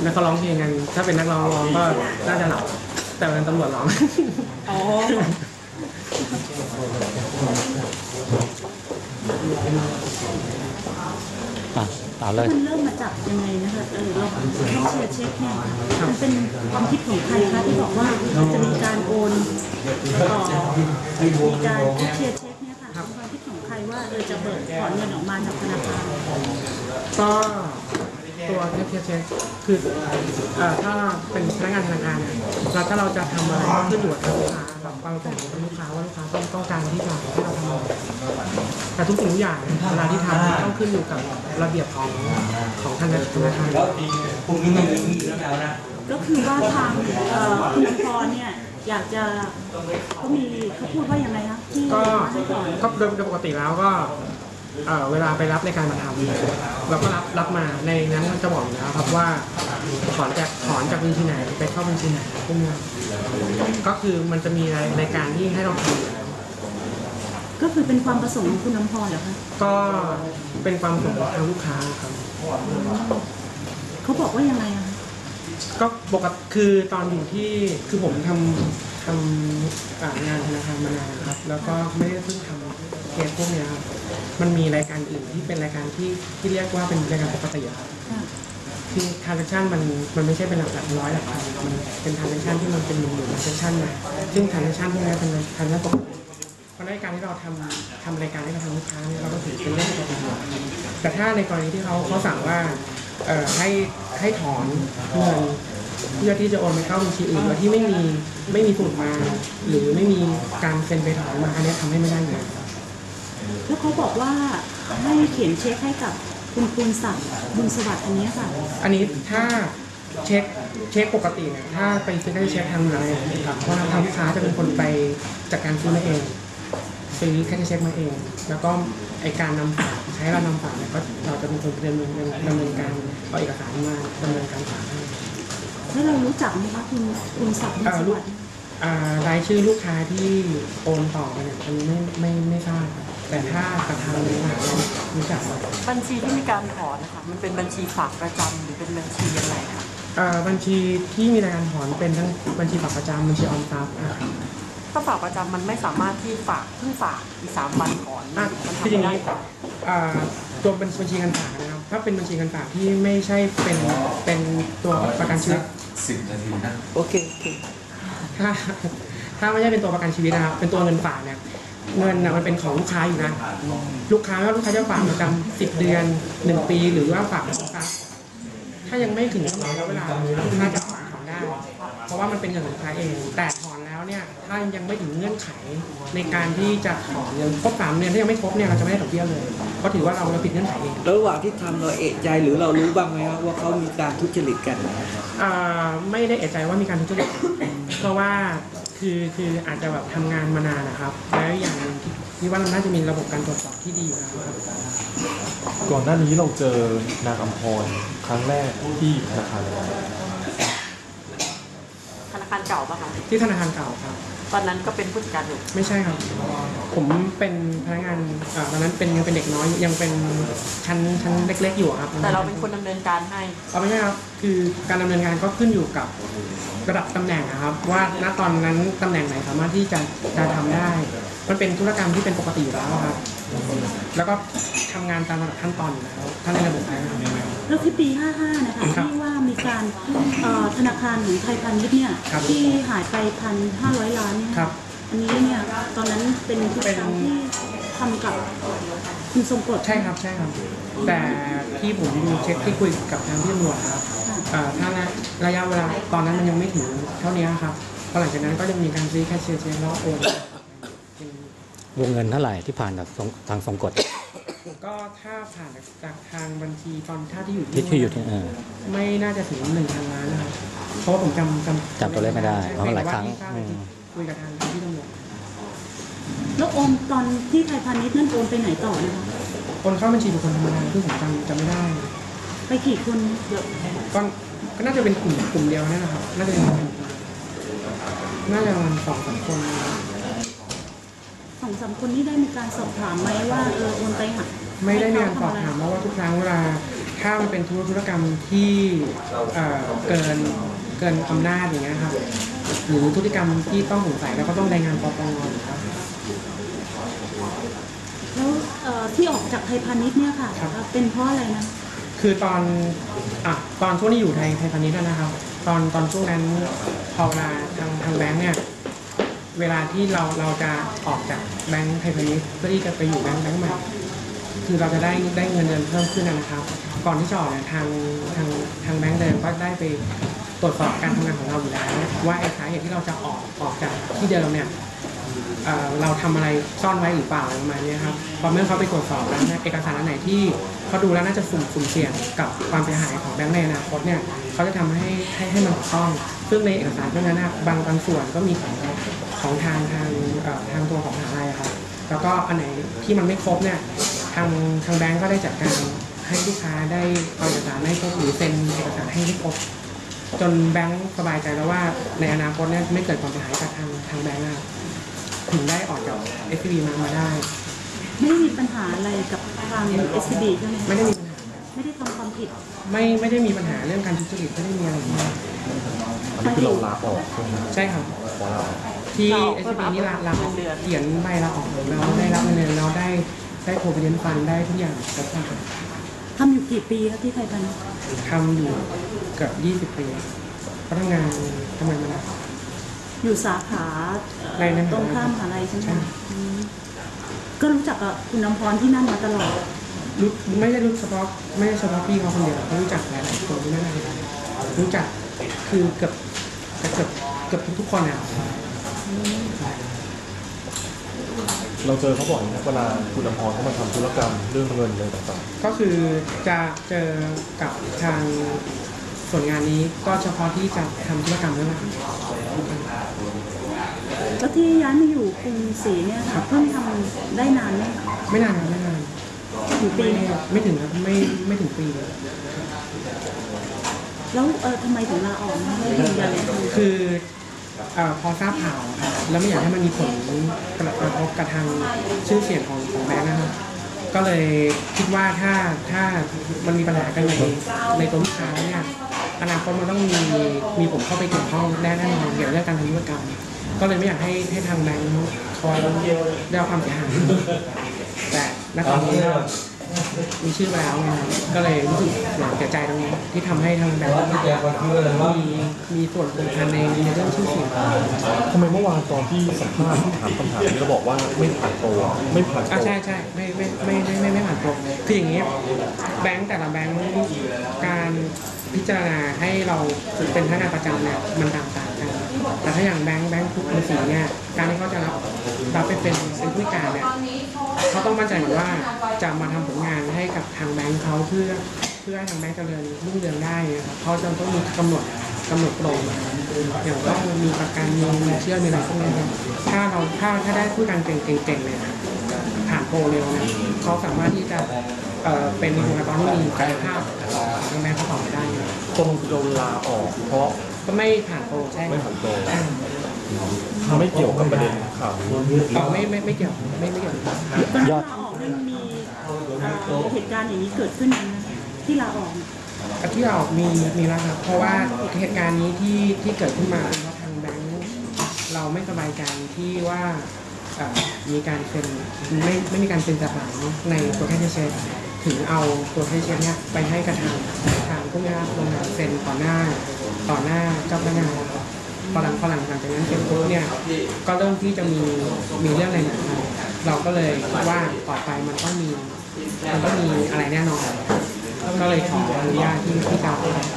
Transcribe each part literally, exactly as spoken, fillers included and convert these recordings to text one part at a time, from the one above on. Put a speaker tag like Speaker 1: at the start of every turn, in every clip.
Speaker 1: แล้วเขาร้องเพลงกันถ้าเป็นนักร้องร้องก็น่าจะหลับแต่เป็นตำรวจร้อง
Speaker 2: อ๋อ
Speaker 3: อ่ะเอาเลย
Speaker 2: มันเริ่มมาจากยังไงนะคะเออเราแค่เชียร์เช็คเนี่ยมันเป็นความคิดของใครคะที่บอกว่าจะมีการโอนต่อมีการแค่เชียร์เช็คเนี่ยค่ะเป็นความคิดของใครว่าเออจะเบิกถอนเงินออกมาจากธนาคาร
Speaker 1: ก็ตัวแค่เช็คคือถ้าเป็นพนักงานธนาคารเนี่ยเราถ้าเราจะทำอะไรก็ขึ้นอยู่กับลูกค้าครับความประสงค์ของลูกค้าว่าลูกค้าต้องต้องการที่จะให้เราทำอะไรแต่ทุกสิ่งทุกอย่างเวลาที่ทำต้องขึ้นอยู่กับระเบียบของของธนาคาร
Speaker 2: ก็คือว่าทางคุณพรเนี่ยอยากจะเขามีเขาพูดว่ายังไงคะที่
Speaker 1: ก็ก็โดยปกติแล้วก็เวลาไปรับในการมาทำเราก็รับรับมาในนั้นจะบอกอยู่แล้วครับว่าถอนจากถอนจากบัญชีไหนไปเข้าบัญชีไหนพวกนี้ก็คือมันจะมีรายการที่ให้เราทำอยู่แล้ว
Speaker 2: ก็คือเป็นความประสงค์ของคุณน้ำพรเหรอคะ
Speaker 1: ก็เป็นความประสงค์ของทางลูกค้าครับ
Speaker 2: เขาบอกว่ายังไงอะ
Speaker 1: ก็ปกติคือตอนอยู่ที่คือผมทำทำงานธนาคารมานานครับแล้วก็ไม่ได้เพิ่งทำเคสพวกนี้ครับมันมีรายการอื่นที่เป็นรายการที่ที่เรียกว่าเป็นรายการปกติครับที่ transaction มันมันไม่ใช่เป็นหลักหลักร้อยหลักพันมันเป็น transaction ที่มันเป็นหมื่นหมื่น transaction มาซึ่ง transaction พวกนี้เป็น transaction ปกติเพราะรายการที่เราทำทำรายการให้กับทางลูกค้าเนี่ยเราก็ถือเป็นเรื่องปกติแต่ถ้าในกรณีที่เขาเขาสั่งว่าเอ่อให้ให้ถอนเงินเพื่อที่จะโอนไปเข้าบัญชีอื่นโดยที่ไม่มีไม่มีสูตรมาหรือไม่มีการเซ็นไปถอนมาอันนี้ทำให้ไม่ได้เลย
Speaker 2: แล้วเขาบอกว่าให้เขียนเช็คให้กับคุณคุณศักดิ์บุญสวัสดิ์อันนี้ค่ะ
Speaker 1: อันนี้ถ้าเช็คเช็คปกติเนี่ยถ้าไปซื้อได้เช็คทางไหนครับเพราะทางลูกค้าจะเป็นคนไปจัดการซื้อมาเองซื้อแค่เช็คมาเองแล้วก็ไอการนำฝากใช้เรานำฝากเนี่ยก็เราจะเป็นคนดำเนินดำเนินการเอาเอกสารมาดำเนินการฝากให้
Speaker 2: แล้วเรารู้จักไหมคะคุณคุณศักดิ์บุญสวัสดิ์
Speaker 1: รายชื่อลูกค้าที่โอนต่อไปเนี่ยอันนี้ไม่ไม่ไม่ทราบแต่ถ้ากระทำนี้นะรู้จัก
Speaker 4: บัญชีที่มีการถอนนะคะมันเป็นบัญชีฝากประจำหรือเป็นบัญชีอะไรคะ
Speaker 1: บัญชีที่มีการถอนเป็นทั้งบัญชีฝากประจำบัญชีออมทรัพย์นะครับ
Speaker 4: ถ้าฝากประจำมันไม่สามารถที่ฝากเพิ่งฝากอีกสามวันถอนมันทำไม่ได้
Speaker 1: ตัวเป็นบัญชีเงินฝากนะครับถ้าเป็นบัญชีเงินฝากที่ไม่ใช่เป็นเป็นตัวประกันชีวิต
Speaker 5: สิบนาทีนะ
Speaker 4: โอเคโอเค
Speaker 1: ถ้าถ้าไม่ใช่เป็นตัวประกันชีวิตนะครับเป็นตัวเงินฝากเนี่ยเงินนะมันเป็นของลูกค้าอยู่นะลูกค้าว่าลูกค้าจะฝากประจำสิบเดือนหนึ่งปีหรือว่าฝากนะครับถ้ายังไม่ถึงกำหนดแล้วเวลาลูกค้าจะถอนถอนได้เพราะว่ามันเป็นเงินของลูกค้าเองแต่ถอนแล้วเนี่ยถ้ายังไม่ถึงเงื่อนไขในการที่จะถอนเงินครบสามเดือนถ้ายังไม่ครบเนี่ยเราจะไม่ได้ดอกเบี้ยเลยเพราะถือว่าเราเราผิดเงื่อนไขเอง
Speaker 6: ระหว่างที่ทำเราเอะใจหรือเรารู้บ้างไหมครับว่าเขามีการทุจริตกัน
Speaker 1: ไม่ได้เอะใจว่ามีการทุจริตเพราะว่าคือคืออาจจะแบบทำงานมานานนะครับแล้วอย่างนึงที่ว่าเราน่าจะมีระบบการตรวจสอบที่ดีอยู่แล้วครับ
Speaker 7: ก่อนหน้านี้เราเจอนางอัมพรครั้งแรกที่ธนาคาร
Speaker 4: ธนาคารเก่าปะคะ
Speaker 1: ที่ธนาคารเก่าครับ
Speaker 4: ตอนนั้นก็เป็นผู้จัดการอยู่
Speaker 1: ไม่ใช่ครับผมเป็นพนักงานตอนนั้นเป็นยังเป็นเด็กน้อยยังเป็นชั้นชั้นเล็กๆอยู่ครับ
Speaker 4: แต่เราเป็นคนดำเนินการให้
Speaker 1: เอาไม่ใช่ครับคือการดำเนินงานก็ขึ้นอยู่กับระดับตำแหน่งครับว่าณตอนนั้นตำแหน่งไหนสามารถที่จะจะทำได้มันเป็นธุรกรรมที่เป็นปกติอยู่แล้วครับแล้วก็ทำงานตามระดับขั้นตอนอยู่แล้วทั้งในระบบนะครับ
Speaker 2: แล้วที่ปีห้าห้านะคะที่ว่ามีการธนาคารหรือไทยพาณิชย์เนี่ยที่หายไปพันห้าร้อยล้านเนี่ยอันนี้เนี่ยตอนนั้นเป็นธุรกรรมที่ทำกับคุณทรงกฎ
Speaker 1: ใช่ครับใช่ครับแต่ที่ผมดูเช็คที่คุยกับทางที่ตำรวจครับถ้าระยะเวลาตอนนั้นมันยังไม่ถึงเท่านี้ครับพอหลังจากนั้นก็จะมีการซื้อแคชเชียร์เช็คแล้วโอน
Speaker 3: วงเงินเท่าไหร่ที่ผ่านจากทางทรงกฎ
Speaker 1: ก็ถ้าผ่านจากทางบัญชีตอนท่าที่อยู่
Speaker 3: ที่อยู่ที่
Speaker 1: ไม่น่าจะถึงหนึ่งพันล้านนะครับเพราะว่าผมจำจ
Speaker 3: ำจำตัวเลขไม่ได้เพราะหลายครั้ง
Speaker 1: คุยกับทางที่ตำรวจ
Speaker 2: แล้วโอนตอนที่ไทยพาณิชย์นั่นโอนไปไหนต่อนะคะ
Speaker 1: โอนเข้าบัญชีบุคคลธรรมดาที่ผมจำจำไม่ได้
Speaker 2: ไปกี่คนเยอะ
Speaker 1: ก็ก็น่าจะเป็นกลุ่มกลุ่มเดียวนี่นะครับน่าจะเป็นน่าจะประมาณสองสามคน
Speaker 2: สองสามคนนี้ได้มีการสอบถามไหมว่าเออโอนไปหัก
Speaker 1: ไม่ได้มีการสอบถามเพราะว่าทุกครั้งเวลาทถ้ามันเป็นธุรธุรกรรมที่เอ่อเกินเกินอำนาจอย่างเงี้ยครับหรือธุรกรรมที่ต้องสงสัยแล้วก็ต้องรายงานปปงอยู่ครับ
Speaker 2: แล้วเอ่อที่ออกจากไทยพาณิชย์เนี่ยค่ะ
Speaker 1: ครับ
Speaker 2: เป็นเพราะอะไรนะ
Speaker 1: คือตอนอ่ะตอนช่วงที่อยู่ไทยไทยพาณิชย์นะครับ ตอนตอนช่วงนั้นพอเวลาทางทางแบงค์เนี่ยเวลาที่เราเราจะออกจากแบงค์ไทยพาณิชย์เพื่อที่จะไปอยู่แบงค์แบงค์ใหม่คือเราจะได้ได้เงินเดือนเพิ่มขึ้นนะครับ ก่อนที่จะออกเนี่ยทางทางทางแบงค์เดิมก็ได้ไปตรวจสอบการทำงานของเราอยู่แล้วว่าไอ้สาเหตุที่เราจะออกออกจากที่เดิมเนี่ยเอ่อเราทำอะไรซ่อนไว้หรือเปล่าอะไรประมาณนี้ครับพอเมื่อเขาไปตรวจสอบแล้วเนี่ยเอกสารอันไหนที่เขาดูแล้วน่าจะสุ่มสุ่มเสี่ยงกับความเสียหายของแบงค์ในอนาคตเนี่ยเขาจะทำให้ให้ให้มันถูกต้องซึ่งในเอกสารพวกนั้นนะบางบางส่วนก็มีของของทางทางเอ่อทางตัวของมหาลัยครับแล้วก็อันไหนที่มันไม่ครบเนี่ยทางทางแบงค์ก็ได้จัดการให้ลูกค้าได้เอาเอกสารให้ครบหรือเซ็นเอกสารให้ได้ครบจนแบงค์สบายใจแล้วว่าในอนาคตเนี่ยไม่เกิดความเสียหายกับทางทางแบงค์นะครับถึงได้ออกจาก เอส ซี บี มามาได้
Speaker 2: ไม่ได้มีปัญหาอะไรกับทาง เอส ซี บี ใช่ไหม
Speaker 1: ไม่ได้มีปัญหา
Speaker 2: ไม่ได้ทำความผิด
Speaker 1: ไม่ไม่ได้มีปัญหาเรื่องการทุจริตไม่ได้มีอะไรมาก
Speaker 7: อันนี้คือเราลาออกใช่ไหม
Speaker 1: ใช่ครับ
Speaker 7: ขอลาออก
Speaker 1: ที่
Speaker 4: เรา
Speaker 1: เอส
Speaker 4: เพื่
Speaker 1: ซี
Speaker 4: อ
Speaker 1: บี
Speaker 4: มา
Speaker 1: นี่ลาลาออก
Speaker 4: เงินเดือน
Speaker 1: เขียนใบลาออกแล้วได้รับเงินเดือนแล้วได้ได้โปรวิเดนฟันได้ทุกอย่างครบถ้วน
Speaker 2: ทำอยู่กี่ปีครับที่ไทยพาณิชย์
Speaker 1: ทำอยู่เกือบยี่สิบปีก็ทำงานทำงานมานาน
Speaker 2: อยู่สาขาเอ่อ
Speaker 1: ในนั้น
Speaker 2: ตรงข้ามมหาลัยใช่ไหม
Speaker 1: ใช่
Speaker 2: อืมก็รู้จักกับคุณน้ำพรที่นั่นมาตลอด
Speaker 1: รู้ไม่ได้รู้เฉพาะไม่ได้เฉพาะพี่เขาคนเดียวเขารู้จักหลายๆคนที่นั่นเลยรู้จักคือเกือบเกือบเกือบทุกๆคนอ่ะ
Speaker 7: เราเจอเขาบ่อยนะเวลาคุณอภรเขามาทำธุรกรรมเรื่องเงินอะไรต่าง
Speaker 1: ก็คือจะเจอกับทางส่วนงานนี้ก็เฉพาะที่จะทำธุรกรรมนั่นแหละ
Speaker 2: แล้วที่ย้ายมาอยู่กรุงศรีเนี่ยค่ะเพิ่งทำได้นานไหมคะ
Speaker 1: ไม่นานครับไม่นาน
Speaker 2: ถึงปี
Speaker 1: ไม่
Speaker 2: ไหมคะ
Speaker 1: ไม่ถึงครับไม่ไม่ถึงปีเลย
Speaker 2: แล้วเออทำไมถึงลาออกนะไม่ยืนยันเลยคือ
Speaker 1: คือเอ่อพอทราบข่าวครับแล้วไม่อยากให้มันมีผลกระทบกับทางชื่อเสียงของของแบงค์นะครับก็เลยคิดว่าถ้าถ้ามันมีปัญหากันในในตัวลูกค้าเนี่ยอนาคตมันต้องมีมีผมเข้าไปเกี่ยวข้องแน่แน่นอนเกี่ยวกับเรื่องการทำธุรกรรม ก็เลยไม่อยากให้ให้ทางแบงค์คอยได้รับความเสียหายแต่ณตอนนี้ก็มีชื่อไปแล้วไงก็เลยรู้สึกเสียใจตรงนี้ที่ทำให้ทางแบงค์มีมีส่วนสำคัญในในเรื่องชื่อเสียง
Speaker 7: ๆทำไมเมื่อวานตอนที่สัมภาษณ์ที่ถามคำถามนี้เราบอกว่าไม่ผ่านโปรไม่ผ่านโป
Speaker 1: อ่ะ
Speaker 7: ร
Speaker 1: ใช่ใช่ไม่ไม่ไม่ไม่ไม่ไม่ผ่านตรงคืออย่างนี้แบงค์แต่ละแบงค์การพิจารณาให้เราเป็นพนักงานประจำเนี่ยมันต่างๆกันแต่ถ้าอย่างแบงค์แบงค์ทุกคนสีเนี่ยการที่เขาจะรับรับไปเป็นเป็นผู้การเนี่ยเขาต้องมั่นใจก่อนว่าจะมาทำผลงานให้กับทางแบงค์เขาเพื่อเพื่อให้ทางแบงค์เจริญรุ่งเรืองได้นะครับเขาจะต้องมีกำหนดกำหนดโปรมาอย่างต้องมีประกันมีเงินเชื่อมีอะไรพวกนี้ครับถ้าเราถ้าถ้าได้ผู้การเก่งๆเนี่ย ผ่านโปรเร็วนะเขาสามารถที่จะเอ่อเป็นบุคลากรที่มีกายภาพของแม่เขาต่อไปได้นะ
Speaker 7: ตรงคือเราลาออกเพราะ
Speaker 1: ก็ไม่ผ่านโปรใช่
Speaker 7: ไม่ผ่านโปร
Speaker 1: ใช่
Speaker 7: ไม่เกี่ยวกับประเด็นข่าวนี้
Speaker 1: เอ่อไม่ไม่ไม่เกี่ยวไม่ไม่เกี่ยว
Speaker 2: ตอนที่ลาออกเนี่ยมันมีเอ่อเหตุการณ์อย่างนี้เกิดขึ้นไหมคะที่ลาออกเนี่ย
Speaker 1: ที่เรามีมีแล้วครับเพราะว่าเหตุการณ์นี้ที่ที่เกิดขึ้นมาเป็นเพราะทางแบงค์เราไม่สบายใจที่ว่าเอ่อมีการเซ็นไม่ไม่มีการเซ็นจดหมายในตัวแคชเชียร์ถึงเอาตัวแคชเชียร์เนี่ยไปให้กับทางทางผู้งานโรงงานเซ็นต่อหน้าต่อหน้าเจ้าพนักงานพอหลังพอหลังจากนั้นเซ็นปุ๊บเนี่ยก็เริ่มที่จะมีมีเรื่องอะไรหนักมาเราก็เลยว่าต่อไปมันต้องมีมันต้องมีอะไรแน่นอนก็เลยขออนุญาตที่ที่จะ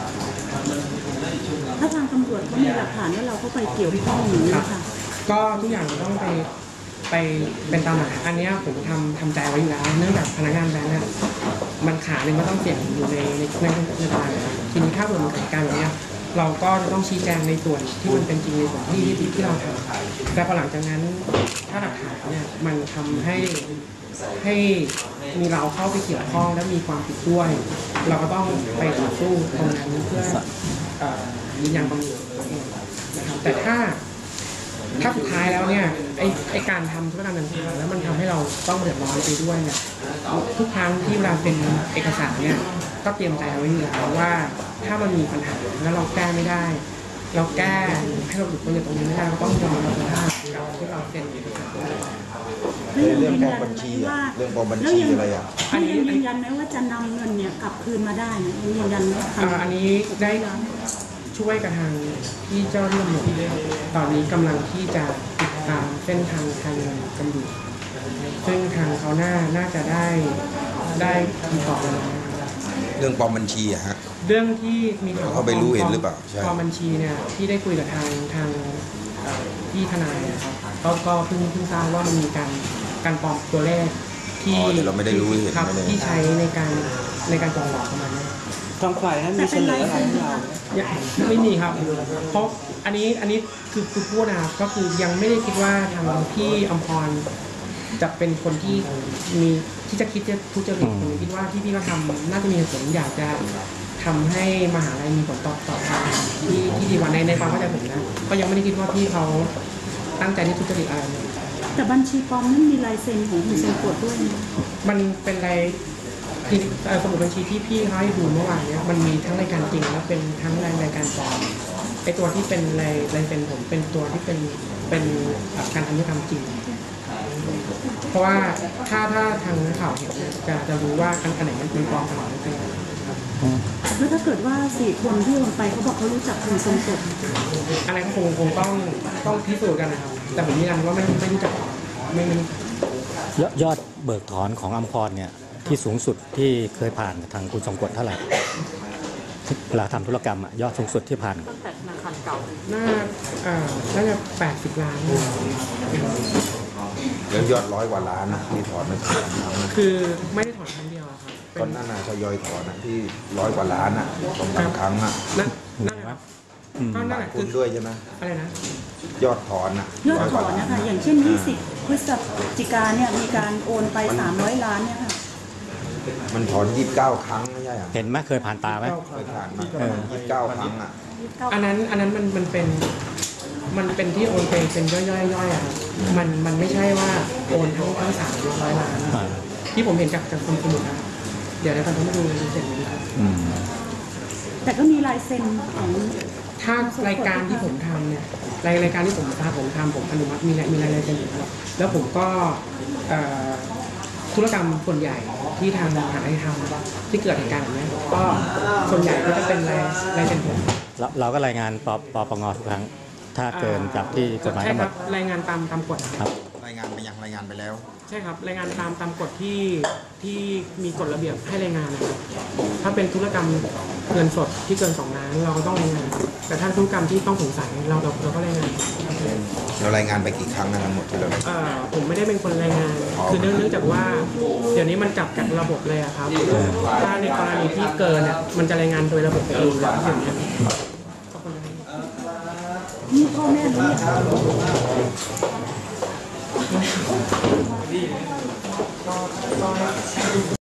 Speaker 2: ถ้าทางตำรวจเขามีหลักฐานว่าเราเข้าไปเกี่ยวข้องอย่างนี้ค่ะ
Speaker 1: ก็ทุกอย่างต้องไปไปเป็นตามหลักฐานอันเนี้ยผมทำทำใจไว้อยู่แล้วเนื่องจากพนักงานแบงค์เนี่ยมันขาหนึ่งก็ต้องเสี่ยงอยู่ในในในในตลาดนะครับทีนี้ถ้าเกิดมันเกิดการแบบเนี้ยเราก็จะต้องชี้แจงในส่วนที่มันเป็นจริงในส่วนที่ที่ที่เราทำแต่พอหลังจากนั้นถ้าหลักฐานเนี่ยมันทำให้ให้มีเราเข้าไปเกี่ยวข้องและมีความผิดด้วย เราก็ต้องไปต่อสู้ตรงนั้นเพื่อเอ่อยืนยันความผิดตัวเองนะครับแต่ถ้าถ้าสุดท้ายแล้วเนี่ยไอไอการทำธุรกรรมต่างๆแล้วมันทำให้เราต้องเดือดร้อนไปด้วยเนี่ยทุกครั้งที่เวลาเป็นเอกสารเนี่ยก็เตรียมใจเอาไว้อยู่แล้วว่าถ้ามันมีปัญหาแล้วเราแก้ไม่ได้ เราแก้ให้เราหลุดพ้นจากตรงนี้ไม่ได้เราต้องยอมรับสภาพกับที่เราเซ็นเอกสาร
Speaker 5: เรื่องกองบัญชีอะเรื่องกองบัญชีอะไรอ่ะ
Speaker 2: อันนี้ยืนยันไหมว่าจะนำเงินเนี่ยกลับคืนมาได้นะยืนยันไหม
Speaker 1: อ่าอันนี้ได้ช่วยกับทางที่เจ้าหน้าที่ตำรวจตอนนี้กำลังที่จะติดตามเส้นทางการเงินกันอยู่ซึ่งทางเขาน่าน่าจะได้ได้คำตอบแล้วนะครับ
Speaker 5: เรื่องปลอมบัญชีอะฮะ
Speaker 1: เรื่องที่มีข่ว
Speaker 5: เขาไปรู้เห็นหรือเปล่าใช่
Speaker 1: ปลอมบัญชีเนี่ยที่ได้คุยกับทางทางเอ่อพี่ทนายนะครับก็ก็เพิ่งเพิ่งทราบว่ามันมีการการปลอมตัวเลขที่
Speaker 5: อ๋อแต่เราไม่ได้รู้เห็น
Speaker 1: ครับ
Speaker 5: ไม่ได้
Speaker 1: ที่ใช้ในการในการจองหลอกประมาณนี้
Speaker 6: ทางฝ่ายนั้นมีเสนออะไรให้เรา
Speaker 1: ยังไม่มีครับ เพราะอันนี้อันนี้คือคือพูดนะครับก็คือยังไม่ได้คิดว่าทางพี่อมพรจะเป็นคนที่มีที่จะคิดจะทุจริตผมคิดว่าที่พี่เขาทำน่าจะมีเหตุผลอยากจะทำให้มหาลัยมีผลตอบตอบทางที่ที่ดีกว่าในในความเข้าใจผมนะก็ยังไม่ได้คิดว่าพี่เขาตั้งใจที่ทุจริตอะไรเลย
Speaker 2: แต่บัญชีปลอมนั้นมีลายเซ็นของคุณทรงกฎด้วยนะ
Speaker 1: มันเป็นรายคือเอ่อสมุดบัญชีที่พี่เขาให้ดูเมื่อวานเนี้ยมันมีทั้งรายการจริงและเป็นทั้งรายรายการปลอมไอตัวที่เป็นรายรายเป็นผมเป็นตัวที่เป็นเป็นการทำธุรกรรมจริง เพราะว่าถ้าถ้าทางนักข่าวเห็นเนี่ยจะจะรู้ว่าอันไหนมันเป็นปลอมอันไหนมันเป็น
Speaker 2: แล้วถ้าเกิดว่าสี่คนที่ลงไปเขาบอกเขารู้จักคุณทรงกฎ
Speaker 1: อะไรก็คงคงต้องต้องพิสูจน์กันนะครับแต่ผมยืนยันว่าไม่ไม่รู้จักไม่ไม่
Speaker 3: ยอดยอดเบิกถอนของอัมพรเนี่ยที่สูงสุดที่เคยผ่านทางคุณทรงกฎเท่าไหร่เวลาทำธุรกรรมอะยอดสูงสุดที่ผ่าน
Speaker 4: ตั้งแต่ธนาคารเก่า
Speaker 1: น่าอ่าน่าจะแปดสิบล้าน
Speaker 5: แล้วยอดร้อยกว่าล้านนะที่ถอนมาสามครั้งนะ
Speaker 1: คือไม่ได้ถอนครั้งเดียวอะครับเป็
Speaker 5: ก็
Speaker 1: น
Speaker 5: นั่นน่ะทยอยถอนนะที่ร้อยกว่าล้านอ่ะสองสามครั้งอ่ะ
Speaker 1: นั่นนั่นแหละครับก็นั่นแหละ
Speaker 5: คุ
Speaker 1: คื
Speaker 5: ณ
Speaker 1: อ
Speaker 5: ด้วยใช่ไหม
Speaker 1: อะไรนะ
Speaker 5: ยอดถอนอ่ะ
Speaker 2: ยอด
Speaker 5: ร้อย
Speaker 2: ถ
Speaker 5: ก
Speaker 2: อ
Speaker 5: ว่าน ล้า
Speaker 2: นะคะอย่างเช่นยี่สิบพฤศจิกาเนี่ยมีการโอนไปสามร้อยล้านเนี่ยค่ะ
Speaker 5: มันถอนยี่สิบเก้าครั้งไม่ใช่เหรอ
Speaker 3: เห็นไหมเคยผ่านตาไหม
Speaker 5: เคยผ่านมายี่สิบเก้าครั้งอ่ะ
Speaker 1: อันนั้นอันนั้นมันมันเป็นมันเป็นที่โอนไปเป็นย่อยๆย่อยๆอะครับมันมันไม่ใช่ว่าโอนทั้งทั้งสามร้อยล้าน
Speaker 3: อ่า
Speaker 1: ที่ผมเห็นจากจากคนสมุดนะครับเดี๋ยวนะครับต้องมาดูเสร็จเลยครับ
Speaker 3: อืม
Speaker 2: แต่ก็มีลายเซ็นของ
Speaker 1: ถ้ารายการที่ผมทำเนี่ยรายรายการที่ผมทำผมทำผมอนุมัติมีรายมีรายละเอียดอยู่ครับแล้วผมก็เอ่อธุรกรรมส่วนใหญ่ที่ทางมหาลัยทำที่เกิดเหตุการณ์แบบนี้ก็ส่วนใหญ่ก็จะเป็นรายรายเป็นผม
Speaker 3: เราเราก็รายงานปปปงทุกครั้ง ถ้าเกินจากที่กฎหมาย
Speaker 1: ใช่
Speaker 3: กำห
Speaker 1: คน รั
Speaker 3: ด
Speaker 1: บรายงานตามตามกฎ
Speaker 3: ครับ
Speaker 5: รายงานไปยังรายงานไปแล้ว
Speaker 1: ใช่ครับรายงานตามตามกฎที่ที่มีกฎระเบียบให้รายงานนะครับถ้าเป็นธุรกรรมเงินสดที่เกินสองล้านเราก็ต้องรายงาน แต่ถ้าธุรกรรมที่ต้องสงสัยเราเราเราก็รายงาน
Speaker 5: เรารายงานไปกี่ครั้งนะทั้งหมดที่เรา
Speaker 1: เอ่อผมไม่ได้เป็นคนรายงาน คือเนื่องเนื่องจากว่า เดี๋ยวนี้มันจับจากระบบเลยอะครับ ถ้าในกรณีที่เกินเนี่ยมันจะรายงานโดยระบบเองแล้วอย่างเงี้ยขอบคุณนะครับ
Speaker 2: นี่พ่อแม่รู้